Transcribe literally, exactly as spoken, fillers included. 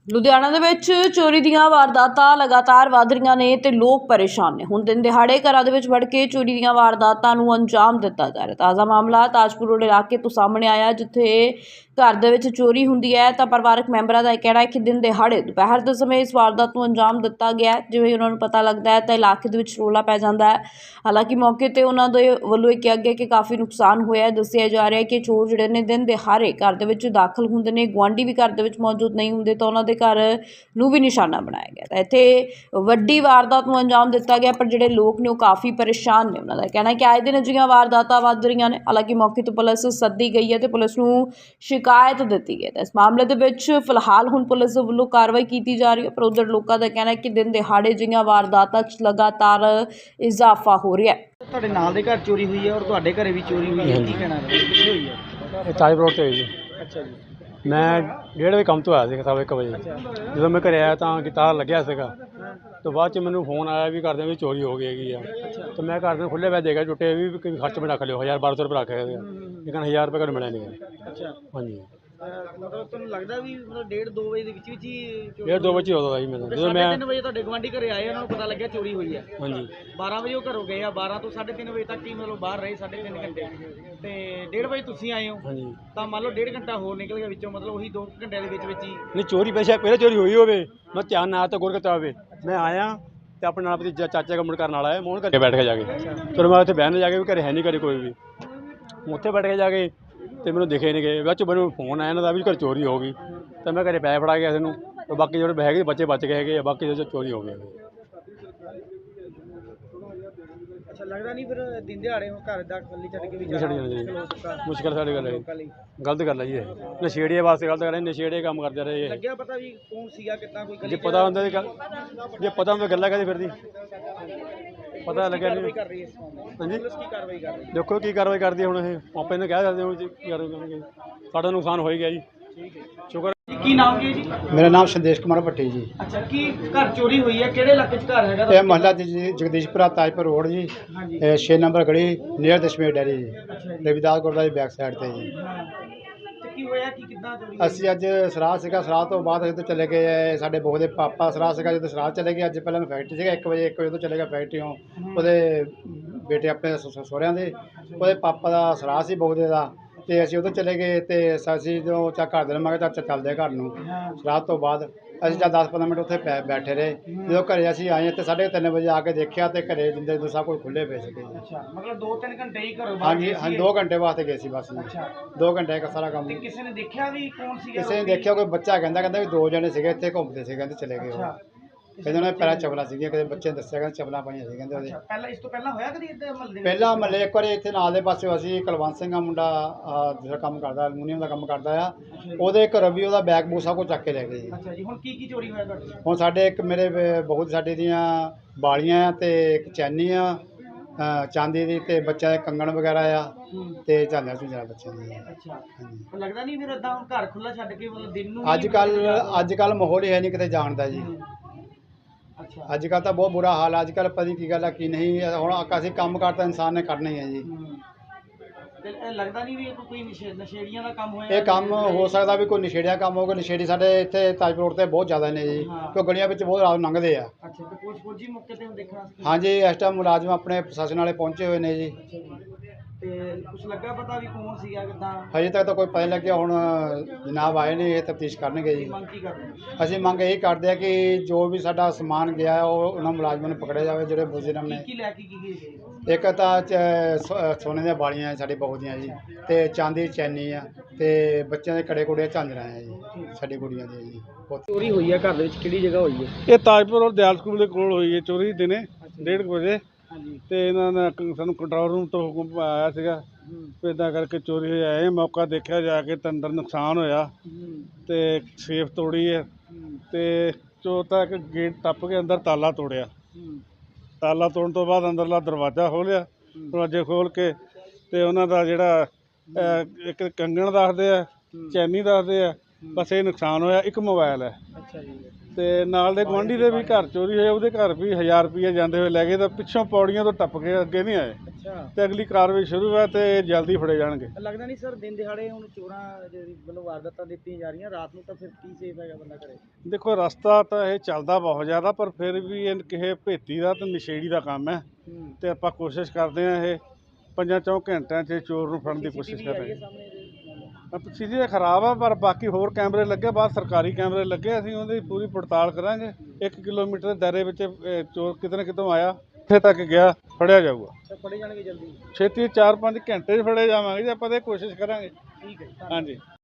ਲੁਧਿਆਣਾ ਦੇ ਵਿੱਚ ਚੋਰੀ ਦੀਆਂ ਵਾਰਦਾਤਾਂ ਲਗਾਤਾਰ ਵਧ ਰਹੀਆਂ ਨੇ ਤੇ ਲੋਕ ਪਰੇਸ਼ਾਨ ਨੇ। ਹੁਣ ਦਿਨ ਦਿਹਾੜੇ ਘਰਾਂ ਦੇ ਵਿੱਚ ਵੜ ਕੇ ਚੋਰੀ ਦੀਆਂ ਵਾਰਦਾਤਾਂ ਨੂੰ ਅੰਜਾਮ ਦਿੱਤਾ ਜਾ ਰਿਹਾ। ਤਾਜ਼ਾ ਮਾਮਲਾ ਤਾਜਪੁਰ ਰੋਡ ਇਲਾਕੇ ਤੋਂ ਸਾਹਮਣੇ ਆਇਆ, ਜਿੱਥੇ ਘਰ ਦੇ ਵਿੱਚ ਚੋਰੀ ਹੁੰਦੀ ਹੈ ਤਾਂ ਪਰਿਵਾਰਕ ਮੈਂਬਰਾਂ ਦਾ ਇਹ ਕਹਿਣਾ ਹੈ ਕਿ ਦਿਨ ਦਿਹਾੜੇ ਦੁਪਹਿਰ ਦੇ ਸਮੇਂ ਇਸ ਵਾਰਦਾਤ ਨੂੰ ਅੰਜਾਮ ਦਿੱਤਾ ਗਿਆ। ਜਿਵੇਂ ਉਹਨਾਂ ਨੂੰ ਪਤਾ ਲੱਗਦਾ ਹੈ ਤਾਂ ਇਲਾਕੇ ਦੇ ਵਿੱਚ ਰੌਲਾ ਪੈ ਜਾਂਦਾ ਹੈ। ਹਾਲਾਂਕਿ ਮੌਕੇ ਤੇ ਉਹਨਾਂ ਦੇ ਵੱਲੋਂ ਇਹ ਕਿਹਾ ਗਿਆ ਕਿ ਕਾਫੀ ਨੁਕਸਾਨ ਹੋਇਆ। ਦੱਸਿਆ ਜਾ ਰਿਹਾ ਹੈ ਕਿ ਚੋਰ ਜਿਹੜੇ ਨੇ ਦਿਨ ਦਿਹਾੜੇ ਘਰ ਦੇ ਵਿੱਚ ਦਾਖਲ ਹੁੰਦੇ ਨੇ, ਗੁਆਂਢੀ ਵੀ ਘਰ ਦੇ ਵਿੱਚ ਮੌਜੂਦ ਨਹੀਂ ਹੁੰਦੇ ਤਾਂ ਉਹਨਾਂ ਦੇ ਘਰ ਨੂੰ ਵੀ ਨਿਸ਼ਾਨਾ ਬਣਾਇਆ ਗਿਆ ਤਾਂ ਇੱਥੇ ਵੱਡੀ ਵਾਰਦਾਤ ਨੂੰ ਅੰਜਾਮ ਦਿੱਤਾ ਗਿਆ। ਪਰ ਜਿਹੜੇ ਲੋਕ ਨੇ ਉਹ ਕਾਫੀ ਪਰੇਸ਼ਾਨ ਨੇ। ਉਹਨਾਂ ਦਾ ਕਹਿਣਾ ਹੈ ਕਿ ਆਏ ਦਿਨ ਅਜਿਹੀਆਂ ਵਾਰਦਾਤਾਂ ਵੱਧ ਰਹੀਆਂ ਨੇ। ਹਾਲਾਂਕਿ ਮੌਕੇ ਤੋਂ ਪੁਲਿਸ ਸੱਦੀ ਗਈ ਹੈ ਤੇ ਪੁਲਿਸ ਨੂੰ ਸ਼ਿਕਾਇਤ ਦਿੱਤੀ ਗਈ ਹੈ। ਇਸ ਮਾਮਲੇ ਦੇ ਵਿੱਚ ਫਿਲਹਾਲ ਹੁਣ ਪੁਲਿਸ ਦੇ ਵੱਲੋਂ ਕਾਰਵਾਈ ਕੀਤੀ ਜਾ ਰਹੀ ਹੈ। ਪਰ ਉਧਰ ਲੋਕਾਂ ਦਾ ਕਹਿਣਾ ਹੈ ਕਿ ਦਿਨ ਦਿਹਾੜੇ ਅਜਿਹੀਆਂ ਵਾਰਦਾਤਾਂ 'ਚ ਲਗਾਤਾਰ ਇਜ਼ਾਫਾ ਹੋ ਰਿਹਾ ਹੈ। ਤੁਹਾਡੇ ਨਾਲ ਦੇ ਘਰ ਚੋਰੀ ਹੋਈ ਹੈ ਔਰ ਤੁਹਾਡੇ ਘਰੇ ਵੀ ਚੋਰੀ ਹੋਈ ਹੈ, ਕੀ ਕਹਿਣਾ ਹੈ? ਕਿੱਥੇ ਹੋਈ ਹੈ? ਇਹ ਤਾਜਪੁਰ ਰੋਡ 'ਤੇ ਹੋਈ ਜੀ। ਅੱਛਾ ਜੀ। ਮੈਂ ਡੇਢ ਵਜੇ ਕੰਮ ਤੋਂ ਆਇਆ ਸੀ, ਸਵਾ ਇੱਕ ਵਜੇ। ਜਦੋਂ ਮੈਂ ਘਰੇ ਆਇਆ ਤਾਂ ਕਿ ਤਾਲਾ ਲੱਗਿਆ ਸੀਗਾ, ਤੋਂ ਬਾਅਦ 'ਚ ਮੈਨੂੰ ਫੋਨ ਆਇਆ ਵੀ ਘਰਦਿਆਂ ਵਿੱਚ ਚੋਰੀ ਹੋ ਗਈ ਹੈਗੀ ਆ। ਤਾਂ ਮੈਂ ਘਰਦਿਆਂ ਖੁੱਲ੍ਹੇ ਪੈ ਦੇਖਿਆ ਟੁੱਟੇ ਵੀ ਵੀ ਖਰਚ ਮੈਂ ਰੱਖ ਲਿਓ, ਹਜ਼ਾਰ ਬਾਰਾਂ ਸੌ ਰੁਪਏ ਰੱਖ ਲਿਆ। ਲੇਕਿਨ ਹਜ਼ਾਰ ਰੁਪਏ ਘਰ ਮਿਲਿਆ ਨਹੀਂ। ਅੱਛਾ, ਹਾਂਜੀ। ਮਤਲਬ ਤੁਹਾਨੂੰ ਲੱਗਦਾ ਵੀ ਮਤਲਬ ਡੇਢ ਦੋ ਵਜੇ ਦੇ ਵਿੱਚ ਵਿੱਚ ਹੀ ਡੇਢ ਦੋ ਵਜੇ ਹੋਦਾ ਜੀ ਮੈਨੂੰ, ਜਦੋਂ ਮੈਂ ਤਿੰਨ ਵਜੇ ਤੁਹਾਡੇ ਗਵਾਂਢੀ ਘਰੇ ਆਏ, ਉਹਨਾਂ ਨੂੰ ਪਤਾ ਲੱਗਿਆ ਚੋਰੀ ਹੋਈ ਹੈ। ਹਾਂਜੀ। ਬਾਰਾਂ ਵਜੇ ਉਹ ਘਰੋਂ ਗਏ ਆ, ਬਾਰਾਂ ਤੋਂ ਸਾਢੇ ਤਿੰਨ ਵਜੇ ਤੱਕ ਹੀ ਮਤਲਬ ਬਾਹਰ ਰਹੇ, ਸਾਢੇ ਤਿੰਨ ਘੰਟੇ। ਤੇ ਡੇਢ ਵਜੇ ਤੁਸੀਂ ਆਏ ਹੋ ਹਾਂਜੀ, ਤਾਂ ਮੰਨ ਲਓ ਡੇਢ ਘੰਟਾ ਹੋਰ ਨਿਕਲ ਗਿਆ ਵਿੱਚੋਂ, ਮਤਲਬ ਉਹੀ ਦੋ ਘੰਟਿਆਂ ਦੇ ਵਿੱਚ ਵਿੱਚ ਹੀ। ਨਹੀਂ ਚੋਰੀ ਪੈਸੇ ਪਹਿਲੇ ਚੋਰੀ ਹੋਈ ਹੋਵੇ, ਮੈਂ ਧਿਆਨ ਨਾ ਤਾਂ ਗੁਰ ਕੀਤਾ ਹੋਵੇ। ਮੈਂ ਆਇਆ ਤੇ ਆਪਣੇ ਨਾਲ ਆਪਣੀ ਚਾਚਾ ਦਾ ਮੁੰਡਾ ਕਰਨ ਵਾਲਾ ਹੈ, ਮੈਂ ਉਹਨਾਂ ਘਰੇ ਬੈਠ ਕੇ ਜਾ ਕੇ ਚਲੋ ਮੈਂ ਉੱਥੇ ਬਹਿਣ ਜਾ ਕੇ ਵੀ ਘਰੇ ਹੈ ਨਹੀਂ, ਘਰੇ ਕੋਈ ਵੀ। ਉੱਥੇ ਬੈਠ ਕੇ ਜਾ ਕੇ ਤੇ ਮੈਨੂੰ ਦਿਖੇ ਨਹੀਂ ਗਏ। ਬਾਅਦ 'ਚ ਮੈਨੂੰ ਫੋਨ ਆਇਆ ਇਹਨਾਂ ਦਾ ਵੀ ਘਰ ਚੋਰੀ ਹੋ ਗਈ। ਤਾਂ ਮੈਂ ਘਰੇ ਪੈਸੇ ਫੜਾ ਗਿਆ ਕਿਸੇ ਨੂੰ, ਤੇ ਬਾਕੀ ਜਿਹੜੇ ਹੈਗੇ ਬੱਚੇ ਬਚ ਗਏ ਹੈਗੇ ਆ, ਬਾਕੀ ਜੋ ਚੋਰੀ ਹੋ ਗਈ। ਅੱਛਾ, ਲੱਗਦਾ ਨਹੀਂ ਫਿਰ ਦਿਨ ਦਿਹਾੜੇ ਹੁਣ ਘਰ ਦਾ ਖਾਲੀ ਛੱਡ ਕੇ ਵੀ ਨਹੀਂ ਛੱਡ ਜਾਣਾ ਜੀ, ਜਾਣਾ ਮੁਸ਼ਕਿਲ ਸਾਡੀ ਗੱਲ ਹੈ। ਲੋਕਾਂ ਲਈ ਗਲਤ ਗੱਲ ਹੈ ਜੀ, ਇਹ ਨਸ਼ੇੜੀਆਂ ਵਾਸਤੇ ਗਲਤ ਗੱਲ ਹੈ। ਨਸ਼ੇੜੇ ਕੰਮ ਕਰਦੇ ਰਹੇ ਇਹ। ਲੱਗਿਆ ਪਤਾ ਵੀ ਕੌਣ ਸੀਗਾ, ਕਿੱਦਾਂ ਕੋਈ ਜੇ ਪਤਾ ਹੁੰਦਾ ਤੇ ਗੱਲ, ਜੇ ਪਤਾ ਹੁੰਦਾ ਗੱਲਾਂ ਕਦੇ ਫਿਰਦੀ, ਪਤਾ ਲੱਗਿਆ ਨਹੀਂ। ਕਰ ਰਹੀ ਹੈ ਇਸ ਮਾਮਲੇ ਵਿੱਚ? ਹਾਂਜੀ, ਪੁਲਿਸ ਕੀ ਕਾਰਵਾਈ ਕਰ ਰਹੀ ਹੈ? ਦੇਖੋ ਕੀ ਕਾਰਵਾਈ ਕਰਦੀ ਹੈ ਹੁਣ। ਇਹ ਆਪੇ ਨੂੰ ਕਹਿ ਸਕਦੇ ਹੋ ਜੀ ਕੀ ਕਾਰਵਾਈ ਕਰਨਗੇ। ਸਾਡਾ ਨੁਕਸਾਨ ਹੋ ਹੀ ਗਿਆ ਜੀ। ਠੀਕ ਹੈ, ਸ਼ੁਕਰ। ਕੀ ਨਾਮ ਕੀ ਹੈ ਜੀ? ਮੇਰਾ ਨਾਮ ਸੰਦੇਸ਼ ਕੁਮਾਰ ਭੱਟੀ ਜੀ। ਅੱਛਾ, ਕੀ ਘਰ ਚੋਰੀ ਹੋਈ ਹੈ? ਕਿਹੜੇ ਇਲਾਕੇ 'ਚ ਘਰ ਹੈਗਾ? ਇਹ ਮਹੱਲਾ ਜੀ ਜਗਦੀਸ਼ਪੁਰਾ ਤਾਜਪੁਰ ਰੋਡ ਜੀ, ਹਾਂਜੀ। ਇਹ ਛੇ ਨੰਬਰ ਗਲੀ ਨੀਅਰ ਦਸ਼ਮੇਸ਼ ਡੈਰੀ ਜੀ, ਅੱਛਾ ਜੀ। ਰਵਿਦਾਸ ਗੁਰਦੁਆਰੇ ਦੀ ਬੈਕ ਸਾਈਡ ਤੇ ਜੀ। ਹਾਂ। ਤੇ ਕੀ ਹੋਇਆ, ਕੀ ਕਿੱਦਾਂ ਚੋਰੀ? ਅਸੀਂ ਅੱਜ ਸਰਾਧ ਸੀਗਾ, ਸਰਾਧ ਤੋਂ ਬਾਅਦ ਅਸੀਂ ਤੋਂ ਚਲੇ ਗਏ। ਸਾਡੇ ਬਹੂ ਦੇ ਪਾਪਾ ਸਰਾਧ ਸੀਗਾ, ਜਦੋਂ ਸਰਾਧ ਚਲੇ ਗਏ। ਅੱਜ ਪਹਿਲਾਂ ਮੈਂ ਫੈਕਟਰੀ ਸੀਗਾ, ਇੱਕ ਵਜੇ ਇੱਕ ਵਜੇ ਤੋਂ ਚਲੇ ਗਿਆ ਫੈਕਟਰੀਓਂ। ਉਹਦੇ ਬੇਟੇ ਆਪਣੇ ਸ- ਸਹੁਰਿਆਂ ਦੇ, ਉਹਦੇ ਪਾਪਾ ਦਾ ਸਰਾਧ ਸੀ ਬਹੂ ਦੇ ਦਾ, ਤੇ ਅਸੀਂ ਉਧਰ ਚਲੇ ਗਏ। ਤੇ ਅਸੀਂ ਜਦੋਂ ਚਾ ਘਰ ਦੇ ਮੈਂ ਕਿਹਾ ਚੱਲ ਚੱਲਦੇ ਘਰ ਨੂੰ। ਹਾਂ। ਸਰਾਧ ਤੋਂ ਬਾਅਦ ਅਸੀਂ ਜਦ ਦਸ ਪੰਦਰਾਂ ਮਿੰਟ ਉੱਥੇ ਬੈ- ਬੈਠੇ ਰਹੇ। ਜਦੋਂ ਘਰੇ ਅਸੀਂ ਆਏ ਤੇ ਸਾਢੇ ਤਿੰਨ ਵਜੇ ਆ ਕੇ ਦੇਖਿਆ ਤੇ ਘਰੇ ਜਿੰਦੇ ਸਭ ਕੁਝ ਖੁੱਲ੍ਹੇ ਪਏ ਸੀਗੇ। ਅੱਛਾ, ਮਤਲਬ ਦੋ ਤਿੰਨ ਘੰਟੇ ਹੀ ਘਰੋਂ ਬਾਹਰ ਹਾਂਜੀ ਗਏ ਹਾਂਜੀ, ਸੀਗੇ? ਦੋ ਘੰਟੇ ਵਾਸਤੇ ਗਏ ਸੀ ਬਸ ਜੀ। ਅੱਛਾ, ਦੋ ਘੰਟੇ ਦਾ ਸਾਰਾ ਕੰਮ। ਤੇ ਕਿਸੇ ਨੇ ਦੇਖਿਆ ਵੀ ਕੌਣ ਸੀਗਾ? ਕਿਸੇ ਨੇ ਦੇਖਿਆ, ਕੋਈ ਬੱਚਾ ਕਹਿੰਦਾ ਕਹਿੰਦਾ ਵੀ ਦੋ ਜਣੇ ਸੀਗੇ ਇੱਥੇ ਘੁੰਮਦੇ ਸੀ, ਕਹਿੰਦੇ ਚਲੇ ਗਏ ਉਹ। ਅੱਛਾ, ਕਹਿੰਦੇ ਉਹਨਾਂ ਦੇ ਪੈਰਾਂ ਚਪਲਾਂ ਸੀਗੀਆਂ, ਕਿਸੇ ਬੱਚੇ ਨੇ ਦੱਸਿਆ ਕਹਿੰਦੇ ਚਪਲਾਂ ਪਾਈਆਂ ਸੀ ਕਹਿੰਦੇ ਉਹਦੇ। ਅੱਛਾ, ਪਹਿਲਾਂ ਇਸ ਤੋਂ ਪਹਿਲਾਂ ਹੋਇਆ ਕਦੀ ਇੱਦਾਂ ਮਹੱਲੇ? ਪਹਿਲਾਂ ਮਹੱਲੇ ਇੱਕ ਵਾਰੀ ਇੱਥੇ ਨਾਲ ਦੇ ਪਾਸੇ ਅਸੀਂ ਕੁਲਵੰਤ ਸਿੰਘ ਦਾ ਮੁੰਡਾ ਆਹ, ਜਿਹੜਾ ਕੰਮ ਕਰਦਾ ਐਲੂਮੀਨੀਅਮ ਦਾ ਕੰਮ ਕਰਦਾ ਆ, ਉਹਦੇ ਘਰੋਂ ਵੀ ਉਹਦਾ ਬੈਗ ਬੂਗ ਸਭ ਕੁਝ ਚੱਕ ਕੇ ਲੈ ਗਏ ਜੀ। ਅੱਛਾ ਜੀ। ਹੁਣ ਕੀ ਕੀ ਚੋਰੀ ਹੋਇਆ ਤੁਹਾਡੇ? ਹੁਣ ਸਾਡੇ ਇੱਕ ਮੇਰੇ ਬ- ਬਹੁਤ ਸਾਡੇ ਦੀਆਂ ਬਾਲੀਆਂ ਆ ਤੇ ਇੱਕ ਚੈਨੀ ਆ ਅ, ਚਾਂਦੀ ਦੀ, ਤੇ ਬੱਚਿਆਂ ਦੇ ਕੰਗਣ ਵਗੈਰਾ ਆ, ਹੂੰ। ਤੇ ਝਾਲਿਆਂ ਝੁੰਝਾਂ ਬੱਚਿਆਂ ਦੀਆਂ। ਅੱਛਾ, ਹਾਂਜੀ। ਪਰ ਲੱਗਦਾ ਨਹੀਂ ਫਿਰ ਏਦਾਂ ਹੁਣ ਘਰ ਖੁੱਲਾ ਛੱਡ ਕੇ ਮਤਲਬ ਦਿਨ ਨੂੰ ਅੱਜ ਕੱਲ੍ਹ ਅੱਜ ਕੱਲ੍ਹ ਮਾਹੌਲ ਹੀ ਹੈ ਨਹੀਂ ਕਿਤੇ ਜਾਣ ਦਾ ਜੀ। ਅੱਛਾ। ਅੱਜ ਕੱਲ੍ਹ ਤਾਂ ਬਹੁਤ ਬੁਰਾ ਹਾਲ ਹੈ। ਅੱਜ ਕੱਲ੍ਹ ਪਤਾ ਨਹੀਂ ਕੀ ਗੱਲ ਆ ਕੀ ਨਹੀਂ। ਹੁਣ ਅਸੀਂ ਕੰਮ ਕਰਤਾ ਇਨਸਾਨ ਨੇ ਕਰਨਾ ਹੀ ਹੈ ਜੀ। ਹੂੰ। ਤੇ ਇਹ ਲੱਗਦਾ ਨਹੀਂ ਵੀ ਇਹ ਕੋਈ ਨਸ਼ੇ ਨਸ਼ੇੜੀਆਂ ਦਾ ਕੰਮ ਹੋਇਆ? ਇਹ ਕੰਮ ਹੋ ਸਕਦਾ ਵੀ ਕੋਈ ਨਸ਼ੇੜੀਆ ਕੰਮ ਹੋਊਗਾ। ਨਸ਼ੇੜੀ ਸਾਡੇ ਇੱਥੇ ਤਾਜਪੁਰ ਰੋਡ 'ਤੇ ਬਹੁਤ ਜ਼ਿਆਦਾ ਨੇ ਜੀ, ਹਾਂ। ਕਿਉਂ ਗਲੀਆਂ ਵਿੱਚ ਬਹੁਤ ਰਾਤ ਲੰਘਦੇ ਆ। ਅੱਛਾ, ਤੇ ਕੁਝ ਫੌਜੀ ਮੌਕੇ ਤੇ ਦੇਖਣਾ ਸੀ? ਹਾਂਜੀ, ਇਸ ਟਾਈਮ ਮੁਲਾਜ਼ਮ ਆਪਣੇ ਪ੍ਰਸ਼ਾਸਨ ਵਾਲੇ ਪਹੁੰਚੇ ਹੋਏ ਨੇ ਜੀ। ਅੱਛਾ ਜੀ। ਤੇ ਕੁਝ ਲੱਗਾ ਪਤਾ ਵੀ ਕੌਣ ਸੀਗਾ, ਕਿੱਦਾਂ? ਹਜੇ ਤੱਕ ਤਾਂ ਕੋਈ ਪਤਾ ਨਹੀਂ ਲੱਗਿਆ। ਹੁਣ ਜਨਾਬ ਆਏ ਨੇ, ਇਹ ਤਫਤੀਸ਼ ਕਰਨਗੇ ਜੀ। ਮੰਗ ਕੀ ਕਰਦੇ? ਅਸੀਂ ਮੰਗ ਇਹੀ ਕਰਦੇ ਆ ਕਿ ਜੋ ਵੀ ਸਾਡਾ ਸਮਾਨ ਗਿਆ ਉਹ ਉਹਨਾਂ ਮੁਲਾਜ਼ਮਾਂ ਨੂੰ ਪਕੜਿਆ ਜਾਵੇ ਜਿਹੜੇ ਮੁਜਰਮ ਨੇ। ਕੀ ਕੀ ਲੈ ਕੇ ਕੀ ਗਏ? ਇੱਕ ਤਾਂ ਚ- ਸੋ- ਸੋਨੇ ਦੀਆਂ ਬਾਲੀਆਂ ਸਾਡੀ ਬਹੂ ਦੀਆਂ ਜੀ, ਤੇ ਚਾਂਦੀ ਦੀ ਚੈਨੀ ਆ, ਤੇ ਬੱਚਿਆਂ ਦੇ ਕੜੇ ਕੁੜੇ ਝਾਂਜਰਾਂ ਆ ਜੀ, ਸਾਡੀ ਕੁੜੀਆਂ ਦੀਆਂ ਜੀ। ਬਹੁਤ ਚੋਰੀ ਹੋਈ ਹੈ ਘਰ ਦੇ ਵਿੱਚ, ਕਿਹੜੀ ਜਗ੍ਹਾ ਹੋਈ ਹੈ? ਇਹ ਤਾਜਪੁਰ ਔਰ ਦਿਆਲ ਸਕੂਲ ਦੇ ਕੋਲ ਹੋਈ ਹੈ ਚੋਰੀ ਦਿਨੇ ਡੇਢ ਕੁ ਵਜੇ। ਹਾਂਜੀ। ਤੇ ਇਹਨਾਂ ਨੇ ਕ- ਸਾਨੂੰ ਕੰਟਰੋਲ ਰੂਮ ਤੋਂ ਹੁਕਮ ਆਇਆ ਸੀਗਾ ਹੂੰ। ਵੀ ਇੱਦਾਂ ਕਰਕੇ ਚੋਰੀ ਹੋਈ। ਆਏ ਮੌਕਾ ਦੇਖਿਆ ਜਾ ਕੇ ਤਾਂ ਅੰਦਰ ਨੁਕਸਾਨ ਹੋਇਆ ਹੂੰ। ਤੇ ਸੇਫ ਤੋੜੀ ਹੈ ਹੂੰ। ਤੇ ਚੋਰ ਤਾਂ ਇੱਕ ਗੇਟ ਟੱਪ ਕੇ ਅੰਦਰ ਤਾਲਾ ਤੋੜਿਆ। ਹੂੰ। ਤਾਲਾ ਤੋੜਨ ਤੋਂ ਬਾਅਦ ਅੰਦਰਲਾ ਦਰਵਾਜ਼ਾ ਖੋਲ੍ਹਿਆ। ਦਰਵਾਜ਼ੇ ਖੋਲ੍ਹ ਕੇ ਤੇ ਉਹਨਾਂ ਦਾ ਜਿਹੜਾ ਅਹ, ਇੱਕ ਕੰਗਣ ਦੱਸਦੇ ਆ, ਚੈਨੀ ਦੱਸਦੇ ਆ, ਬਸ ਇਹ ਨੁਕਸਾਨ ਹੋਇਆ। ਇੱਕ ਮੋਬਾਈਲ ਹੈ। ਅੱਛਾ ਜੀ। ਤੇ ਨਾਲ ਦੇ ਗੁਆਂਢੀ ਦੇ ਵੀ ਘਰ ਚੋਰੀ ਹੋਇਆ, ਉਹਦੇ ਘਰ ਵੀ ਹਜ਼ਾਰ ਰੁਪਈਆ ਜਾਂਦੇ ਹੋਏ ਲੈ ਗਏ, ਤਾਂ ਪਿੱਛੋਂ ਪੌੜੀਆਂ ਤੋਂ ਟੱਪ ਕੇ ਅੱਗੇ ਨਹੀਂ ਆਏ। ਅੱਛਾ ਅੱਛਾ ਤੇ ਅਗਲੀ ਕਾਰਵਾਈ ਸ਼ੁਰੂ ਹੈ ਤੇ ਜਲਦੀ ਫੜੇ ਜਾਣਗੇ। ਲੱਗਦਾ ਨਹੀਂ ਸਰ ਦਿਨ ਦਿਹਾੜੇ ਹੁਣ ਚੋਰਾਂ ਜਿਹੜੀ ਵੱਲੋਂ ਵਾਰਦਾਤਾਂ ਦਿੱਤੀਆਂ ਜਾ ਰਹੀਆਂ, ਰਾਤ ਨੂੰ ਤਾਂ ਫਿਰ ਕੀ ਸੇਫ ਹੈਗਾ ਬੰਦਾ ਕਰੇ? ਦੇਖੋ ਰਸਤਾ ਤਾਂ ਇਹ ਚੱਲਦਾ ਬਹੁਤ ਜ਼ਿਆਦਾ, ਪਰ ਫਿਰ ਵੀ ਇਹ ਕਿਸੇ ਭੇਤੀ ਦਾ ਤੇ ਨਸ਼ੇੜੀ ਦਾ ਕੰਮ ਹੈ ਹੂੰ ਤੇ ਆਪਾਂ ਕੋਸ਼ਿਸ਼ ਕਰਦੇ ਹਾਂ ਇਹ ਪੰਜਾਂ ਚੌਂ ਘੰਟਿਆਂ 'ਚ ਚੋਰ ਨੂੰ ਫੜਨ ਦੀ ਕੋਸ਼ਿਸ਼ ਕਰ ਰਹੇ ਹਾਂ। ਸਾਹਮਣੇ ਇਹਦੇ? ਚੀਜ਼ਾਂ ਖਰਾਬ ਆ, ਪਰ ਬਾਕੀ ਹੋਰ ਕੈਮਰੇ ਲੱਗੇ, ਬਾਹਰ ਸਰਕਾਰੀ ਕੈਮਰੇ ਲੱਗੇ, ਅਸੀਂ ਉਹਦੀ ਪੂਰੀ ਪੜਤਾਲ ਕਰਾਂਗੇ। ਇੱਕ ਕਿਲੋਮੀਟਰ ਦੇ ਦਾਇਰੇ ਵਿੱਚ ਇਹ ਚੋਰ ਕਿਤੇ ਨਾ ਕਿਤੋਂ ਆਇਆ, ਇੱਥੇ ਤੱਕ ਗਿਆ, ਫੜਿਆ ਜਾਊਗਾ ਤਾਂ ਫੜੇ ਜਾਣਗੇ ਜਲਦੀ? ਛੇਤੀ ਚਾਰ ਪੰਜ ਘੰਟੇ 'ਚ ਫੜੇ ਜਾਵਾਂਗੇ ਜੀ, ਆਪਾਂ ਤਾਂ ਇਹ ਕੋਸ਼ਿਸ਼ ਕਰਾਂਗੇ। ਠੀਕ ਹੈ। ਹਾਂਜੀ।